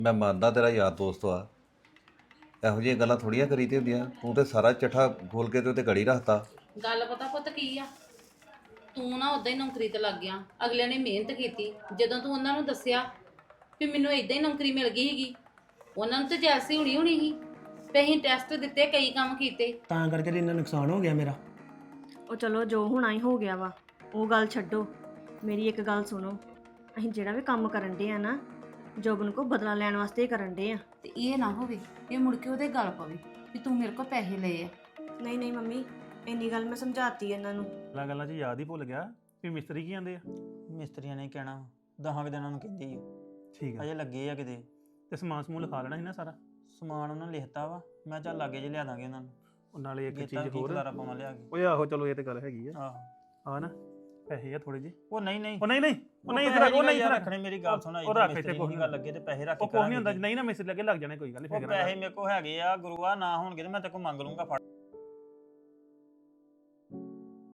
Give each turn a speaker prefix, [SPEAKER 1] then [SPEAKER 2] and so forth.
[SPEAKER 1] ਮੈਂ ਮੰਨਦਾ ਤੇਰਾ ਯਾਰ ਦੋਸਤ ਆ, ਇਹੋ ਜਿਹੀਆਂ ਗੱਲਾਂ ਥੋੜੀਆਂ ਕਰੀ ਤੇ ਹੁੰਦੀਆਂ। ਤੂੰ ਤੇ ਸਾਰਾ ਚੱਠਾ ਖੋਲ ਕੇ ਤੇ ਉੱਤੇ ਘੜੀ ਰੱਖਤਾ।
[SPEAKER 2] ਗੱਲ ਪਤਾ ਪੁੱਤ ਕੀ ਆ, ਤੂੰ ਨਾ ਉਦਾਂ ਹੀ ਨੌਕਰੀ ਤੇ ਲੱਗ ਗਿਆ। ਅਗਲਿਆਂ ਨੇ ਮਿਹਨਤ ਕੀਤੀ, ਜਦੋਂ ਤੂੰ ਉਹਨਾਂ ਨੂੰ ਦੱਸਿਆ ਵੀ ਮੈਨੂੰ ਇਦਾਂ ਹੀ ਨੌਕਰੀ ਮਿਲ ਗਈ ਸੀਗੀ, ਉਹਨਾਂ ਨੂੰ ਤੇ ਜੈਸੀ ਹੋਣੀ ਸੀ ਤੇ ਅਸੀਂ ਟੈਸਟ ਦਿੱਤੇ, ਕਈ ਕੰਮ ਕੀਤੇ।
[SPEAKER 3] ਤਾਂ ਕਰਕੇ ਤੇ ਇੰਨਾ ਨੁਕਸਾਨ ਹੋ ਗਿਆ ਮੇਰਾ।
[SPEAKER 4] ਉਹ ਚਲੋ ਜੋ ਹੋਣਾ ਹੀ ਹੋ ਗਿਆ ਵਾ, ਉਹ ਗੱਲ ਛੱਡੋ। ਮੇਰੀ ਇੱਕ ਗੱਲ ਸੁਣੋ, ਅਸੀਂ ਜਿਹੜਾ ਵੀ ਕੰਮ ਕਰਨ ਦੇ ਆ ਨਾ, ਜੋਬਨ ਕੋ ਬਦਲਾ ਲੈਣ ਵਾਸਤੇ ਹੀ ਕਰਨ ਦੇ ਆ।
[SPEAKER 2] ਤੇ ਇਹ ਨਾ ਹੋਵੇ ਇਹ ਮੁੜ ਕੇ ਉਹਦੇ ਗੱਲ ਪਵੇ ਵੀ ਤੂੰ ਮੇਰੇ ਕੋਲ ਪੈਸੇ ਲਏ ਆ।
[SPEAKER 4] ਨਹੀਂ ਨਹੀਂ ਮੰਮੀ, ਇੰਨੀ ਗੱਲ ਮੈਂ ਸਮਝਾਤੀ ਇਹਨਾਂ ਨੂੰ।
[SPEAKER 5] ਗੱਲਾਂ 'ਚ ਯਾਦ ਹੀ ਭੁੱਲ ਗਿਆ ਵੀ ਮਿਸਤਰੀ ਕੀ ਆਂਦੇ ਆ।
[SPEAKER 6] ਮਿਸਤਰੀਆਂ ਨੇ ਕਹਿਣਾ 10 ਦਿਨਾਂ ਨੂੰ ਕਹਿੰਦੇ ਆ,
[SPEAKER 5] ਠੀਕ ਆ,
[SPEAKER 6] ਅਜੇ ਲੱਗੇ ਆ ਕਿਤੇ।
[SPEAKER 5] ਤੇ ਸਮਾਨ ਸਮੂਨ ਲਿਖਾ ਲੈਣਾ ਸੀ ਨਾ ਸਾਰਾ।
[SPEAKER 6] ਸਮਾਨ ਉਹਨਾਂ ਨੇ ਲਿਖਤਾ ਵਾ, ਮੈਂ ਚੱਲ ਲਾਗੇ ਜੇ ਲਿਆ ਦਾਂਗੇ ਉਹਨਾਂ ਨੂੰ।
[SPEAKER 5] ਉਹ ਨਾਲੇ ਇੱਕ
[SPEAKER 6] ਗੇਤਾ
[SPEAKER 5] ਚੀਜ਼
[SPEAKER 6] ਕੀ
[SPEAKER 5] ਹੋਰ,
[SPEAKER 6] ਖਲਾਰਾ ਪਾਵਾਂ ਲਿਆ ਕੇ।
[SPEAKER 5] ਓਏ ਆਹੋ ਚਲੋ ਇਹ ਤੇ ਗੱਲ ਹੈਗੀ ਆ।
[SPEAKER 6] ਆਹੋ
[SPEAKER 5] ਆ ਨਾ ਪੈਸੇ ਆ ਥੋੜੇ ਜਿਹੇ।
[SPEAKER 6] ਉਹ ਨਹੀਂ
[SPEAKER 5] ਉਹ ਨਹੀਂ ਇੱਧਰ
[SPEAKER 6] ਉਹ ਨਹੀਂ
[SPEAKER 5] ਇੱਧਰ
[SPEAKER 6] ਰੱਖਣੇ। ਮੇਰੀ ਗੱਲ ਸੁਣਾ,
[SPEAKER 5] ਉਹ ਰੱਖ ਇੱਥੇ
[SPEAKER 6] ਕੋਈ ਗੱਲ ਲੱਗੇ ਤੇ ਪੈਸੇ ਰੱਖ
[SPEAKER 5] ਉਹ ਕੋਈ ਨਹੀਂ ਹੁੰਦਾ, ਨਹੀਂ ਨਾ ਮਿਸਤਰੀ ਲੱਗੇ ਲੱਗ ਜਾਣੇ, ਕੋਈ ਗੱਲ ਨਹੀਂ।
[SPEAKER 6] ਪੈਸੇ ਮੇਰੇ ਕੋਲ ਹੈਗੇ ਆ ਗੁਰੂਆ, ਨਾ ਹੋਣਗੇ ਤੇ ਮੈਂ ਤੇ ਕੋ ਮੰਗ ਲੂੰਗਾ ਫੜ